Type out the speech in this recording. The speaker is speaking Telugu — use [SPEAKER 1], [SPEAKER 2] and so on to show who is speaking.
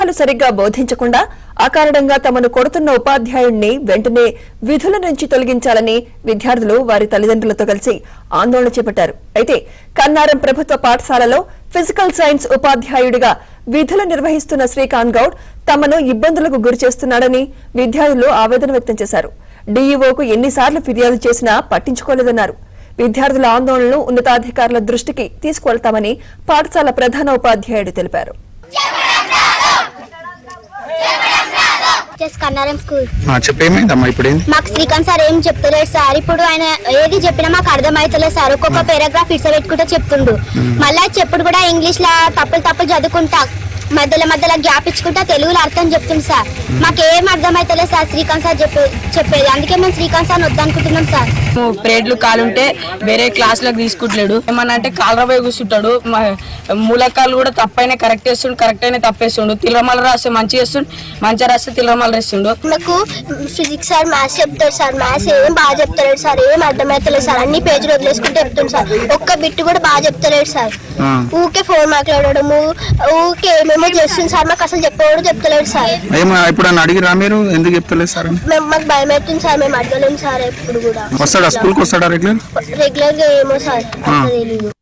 [SPEAKER 1] సరిగ్గా బోధించకుండా అకారణంగా తమను కొడుతున్న ఉపాధ్యాయుడిని వెంటనే విధుల నుంచి తొలగించాలని విద్యార్థులు వారి తల్లిదండ్రులతో కలిసి ఆందోళన చేపట్టారు. అయితే కన్నారం ప్రభుత్వ పాఠశాలలో ఫిజికల్ సైన్స్ ఉపాధ్యాయుడిగా విధులు నిర్వహిస్తున్న శ్రీకాంత్ గౌడ్ తమను ఇబ్బందులకు గురిచేస్తున్నాడని విద్యార్థులు ఆవేదన వ్యక్తం చేశారు. డీఈఓకు ఎన్నిసార్లు ఫిర్యాదు చేసినా పట్టించుకోలేదన్నారు. విద్యార్థుల ఆందోళనను ఉన్నతాధికారుల దృష్టికి తీసుకువెళ్తామని పాఠశాల ప్రధాన ఉపాధ్యాయుడు తెలిపారు.
[SPEAKER 2] కన్నారం స్కూల్
[SPEAKER 3] చెప్పేమైందమ్మా ఇప్పుడు
[SPEAKER 2] మాకు శ్రీకాంత్ సార్ ఏం చెప్తలేడు సార్. ఇప్పుడు ఆయన ఏది చెప్పినా మాకు అర్థమైతలేదు సార్. ఒక్కొక్క పారాగ్రాఫ్ ఇట్స్ పెట్టుకుంటూ చెప్తుండు. మళ్ళా చెప్పుడు కూడా ఇంగ్లీష్ లా తప్పులు చదువుకుంటా మధ్యలో గ్యాప్ ఇచ్చుకుంటా తెలుగులో అర్థం చెప్తుంది సార్. మాకేం అర్థమైతలేదు సార్ శ్రీకాంత్ సార్ చెప్పేది. అందుకే మేము శ్రీకాంత్ సార్ వద్దనుకుంటున్నాం సార్.
[SPEAKER 4] ప్రేడ్లు కాలుంటే వేరే క్లాసులకు తీసుకుంటలేడు. ఏమన్నా అంటే కాలరపోయి కూర్చుంటాడు. మూలకాలు కూడా తప్పైనా కరెక్ట్ చేస్తుండు, కరెక్ట్ అయినా తప్పేస్తుండు. తిల్లమల రాస్తే మంచి చేస్తుండు, మంచిగా రాస్తే తిల్లమల రాస్తుండు.
[SPEAKER 2] నాకు ఫిజిక్స్ సార్ మ్యాథ్స్ చెప్తాడు సార్. మ్యాథ్స్ ఏం బాగా చెప్తలేడు సార్. ఏం అర్థమైతలేదు సార్. అన్ని పేజీలు వదిలేసుకుంటే చెప్తుంది సార్. ఒక్క బిట్టు కూడా బాగా చెప్తలేడు సార్. ఊకే ఫోన్ మాట్లాడము, ఊకే ఏమేమో చేస్తుంది సార్. మాకు అసలు చెప్పేవాడు చెప్తలేడు సార్.
[SPEAKER 3] ఇప్పుడు అడిగిరా మీరు ఎందుకు చెప్తలేదు సార్?
[SPEAKER 2] మాకు భయం అవుతుంది సార్. మేము అడగలేము సార్. ఎప్పుడు కూడా
[SPEAKER 3] స్కూల్కి వస్తాడా
[SPEAKER 2] రెగ్యులర్ గా ఏమో సార్ తెలియదు.